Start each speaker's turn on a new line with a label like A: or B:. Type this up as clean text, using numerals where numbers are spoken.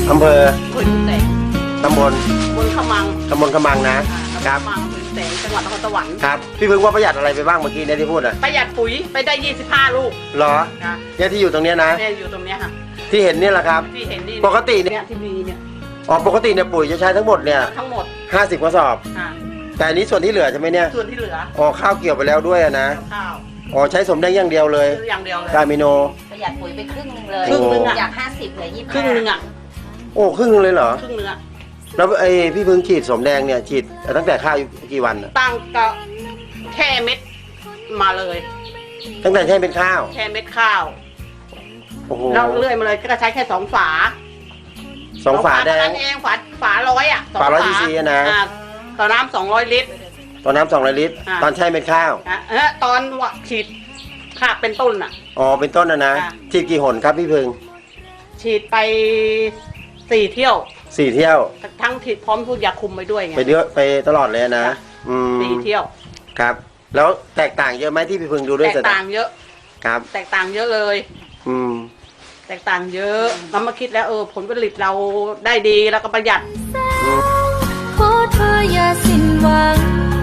A: อำเภอ
B: ขุนแสง
A: ตำบล
B: บนขมัง
A: ขมังนะครับ
B: ขมังขุนแสงจังหวัดนครสวรรค์
A: ครับพี่พึ่งว่าประหยัดอะไรไปบ้างเมื่อกี้เนี่ยที่พูดอ่ะ
B: ประหยัดปุ๋ยไปได้25 ลูก
A: เหรอ
B: นะ
A: เนี่ยที่อยู่ตรงเนี้ยนะ
B: เนี่ยอยู่ตรงเนี้ยค่ะ
A: ที่เห็นเนี่ยแหละครับ
B: ที่เห็นนี่
A: ปกติเนี่ย
B: เนี่ยที่มีเนี่ย
A: อ๋อปกติเนี่ยปุ๋ยจะใช้ทั้งหมดเนี่ย
B: ทั้งหมด
A: 50กระสอบ
B: อ่ะ
A: แต่อันนี้ส่วนที่เหลือใช่ไหมเนี่ย
B: ส่วนที่เหลือ
A: อ๋อข้าวเกี่ยวไปแล้วด้วยอะนะ
B: ข้าว
A: อ๋อใช้สมแดงอย่างเดียวเลย
B: อย่างเดียวเลย
A: กามิโน
C: ประหยัดปุ๋ยไปครึ่งหนึงเลย
B: ครึ่งหนึ่งอะ
C: จาก50เหลือ25
B: ครึ่งนึงอ่ะ
A: โอ้ครึ่งนึงเลยเหรอ
B: ครึ่งนึงอ่ะ
A: แล้วไอ้พี่พึ่งฉีดสมแดงเนี่ยฉีดตั้งแต่ข้าวอยู่กี่วันอะ
B: ตั้งก็แค่เม็ดมาเลย
A: ตั้งแต่ใช้เป็นข้าว
B: แค่เม็ดข้าว
A: โอ้โห
B: แล้วเรื่อยมาเลยก็ใช้แค่2 ฝา
A: สองฝาแด
B: เท่าง นั้นเองฝา100อ่ะสง
A: ฝา100 cc อะนะ
B: ต่อน้ำ200 ลิตร
A: ตอนน้ำ200 ลิตร
B: อ่า
A: ตอนใช้เป็นข้าว
B: ตอนฉีดขาเป็นต้นอ่ะ
A: อ๋อเป็นต้นนะ
B: อ่า
A: ฉีดกี่หนครับพี่พึ่ง
B: ฉีดไป4 เที่ยว
A: 4 เที่ยว
B: ทั้งฉีดพร้อมพูดยาคุมไปด้วยไง
A: ไปเยอะไปตลอดเลยนะ
B: ค่ะ
A: อืม
B: 4 เที่ยว
A: ครับ แล้วแตกต่างเยอะไหมที่พี่พึ่งดูด้วย
B: แตกต่างเยอะ
A: ครับ
B: แตกต่างเยอะเลย
A: อืม
B: แตกต่างเยอะเรามาคิดแล้วผลผลิตเราได้ดีแล้วก็ประหยัด
D: ขอเธออย่าสิ้นหวัง